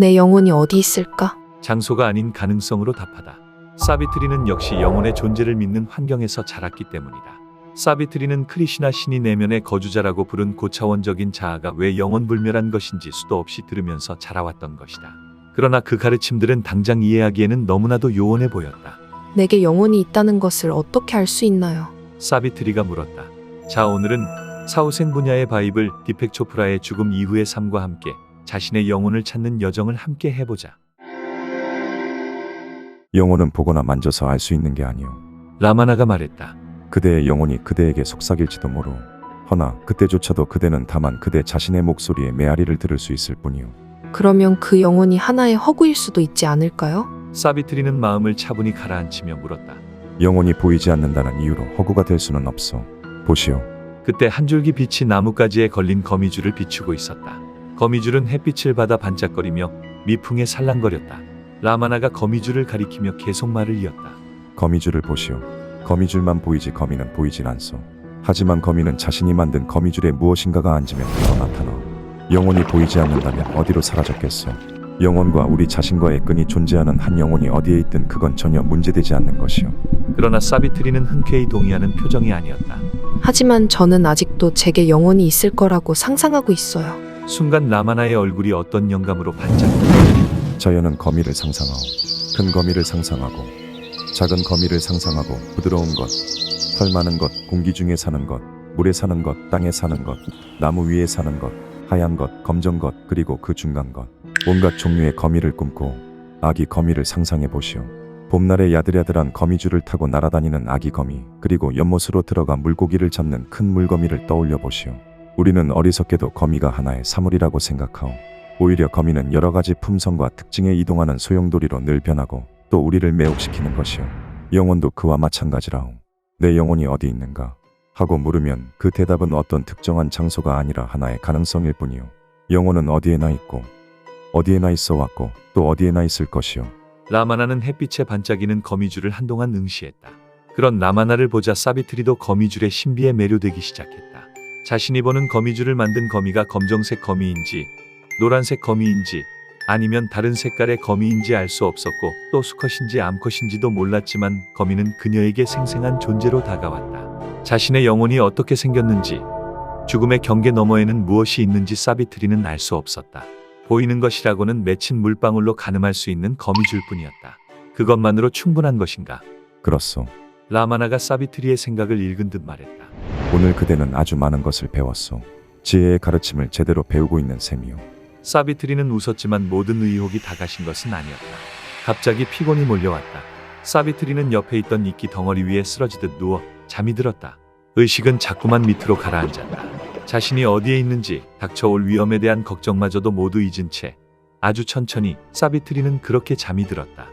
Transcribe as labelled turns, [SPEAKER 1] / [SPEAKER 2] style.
[SPEAKER 1] 내 영혼이 어디 있을까?
[SPEAKER 2] 장소가 아닌 가능성으로 답하다. 사비트리는 역시 영혼의 존재를 믿는 환경에서 자랐기 때문이다. 사비트리는 크리시나 신이 내면의 거주자라고 부른 고차원적인 자아가 왜 영원불멸한 것인지 수도 없이 들으면서 자라왔던 것이다. 그러나 그 가르침들은 당장 이해하기에는 너무나도 요원해 보였다.
[SPEAKER 1] 내게 영혼이 있다는 것을 어떻게 알 수 있나요?
[SPEAKER 2] 사비트리가 물었다. 자, 오늘은 사후생 분야의 바이블 디펙 초프라의 죽음 이후의 삶과 함께 자신의 영혼을 찾는 여정을 함께 해보자.
[SPEAKER 3] 영혼은 보거나 만져서 알 수 있는 게 아니오.
[SPEAKER 2] 라마나가 말했다.
[SPEAKER 3] 그대의 영혼이 그대에게 속삭일지도 모르. 허나 그때조차도 그대는 다만 그대 자신의 목소리에 메아리를 들을 수 있을 뿐이오.
[SPEAKER 1] 그러면 그 영혼이 하나의 허구일 수도 있지 않을까요?
[SPEAKER 2] 사비트리는 마음을 차분히 가라앉히며 물었다.
[SPEAKER 3] 영혼이 보이지 않는다는 이유로 허구가 될 수는 없어. 보시오.
[SPEAKER 2] 그때 한 줄기 빛이 나뭇가지에 걸린 거미줄을 비추고 있었다. 거미줄은 햇빛을 받아 반짝거리며 미풍에 살랑거렸다. 라마나가 거미줄을 가리키며 계속 말을 이었다.
[SPEAKER 3] 거미줄을 보시오. 거미줄만 보이지 거미는 보이질 않소. 하지만 거미는 자신이 만든 거미줄에 무엇인가가 앉으면 바로 나타나. 영혼이 보이지 않는다면 어디로 사라졌겠소. 영혼과 우리 자신과의 끈이 존재하는 한 영혼이 어디에 있든 그건 전혀 문제되지 않는 것이오.
[SPEAKER 2] 그러나 사비트리는 흔쾌히 동의하는 표정이 아니었다.
[SPEAKER 1] 하지만 저는 아직도 제게 영혼이 있을 거라고 상상하고 있어요.
[SPEAKER 2] 순간 라마나의 얼굴이 어떤 영감으로 반짝였다.
[SPEAKER 3] 자연은 거미를 상상하오. 큰 거미를 상상하고 작은 거미를 상상하고 부드러운 것, 털 많은 것, 공기 중에 사는 것, 물에 사는 것, 땅에 사는 것, 나무 위에 사는 것, 하얀 것, 검정 것, 그리고 그 중간 것. 온갖 종류의 거미를 꿈고 아기 거미를 상상해 보시오. 봄날에 야들야들한 거미줄을 타고 날아다니는 아기 거미, 그리고 연못으로 들어가 물고기를 잡는 큰 물거미를 떠올려 보시오. 우리는 어리석게도 거미가 하나의 사물이라고 생각하오. 오히려 거미는 여러 가지 품성과 특징에 이동하는 소용돌이로 늘 변하고 또 우리를 매혹시키는 것이오. 영혼도 그와 마찬가지라오. 내 영혼이 어디 있는가? 하고 물으면 그 대답은 어떤 특정한 장소가 아니라 하나의 가능성일 뿐이오. 영혼은 어디에나 있고 어디에나 있어 왔고 또 어디에나 있을 것이오.
[SPEAKER 2] 라마나는 햇빛에 반짝이는 거미줄을 한동안 응시했다. 그런 라마나를 보자 사비트리도 거미줄의 신비에 매료되기 시작했다. 자신이 보는 거미줄을 만든 거미가 검정색 거미인지 노란색 거미인지 아니면 다른 색깔의 거미인지 알 수 없었고 또 수컷인지 암컷인지도 몰랐지만 거미는 그녀에게 생생한 존재로 다가왔다. 자신의 영혼이 어떻게 생겼는지 죽음의 경계 너머에는 무엇이 있는지 사비트리는 알 수 없었다. 보이는 것이라고는 맺힌 물방울로 가늠할 수 있는 거미줄뿐이었다. 그것만으로 충분한 것인가?
[SPEAKER 3] 그렇소.
[SPEAKER 2] 라마나가 사비트리의 생각을 읽은 듯 말했다.
[SPEAKER 3] 오늘 그대는 아주 많은 것을 배웠소. 지혜의 가르침을 제대로 배우고 있는 셈이오.
[SPEAKER 2] 사비트리는 웃었지만 모든 의혹이 다 가신 것은 아니었다. 갑자기 피곤이 몰려왔다. 사비트리는 옆에 있던 이끼 덩어리 위에 쓰러지듯 누워 잠이 들었다. 의식은 자꾸만 밑으로 가라앉았다. 자신이 어디에 있는지 닥쳐올 위험에 대한 걱정마저도 모두 잊은 채 아주 천천히 사비트리는 그렇게 잠이 들었다.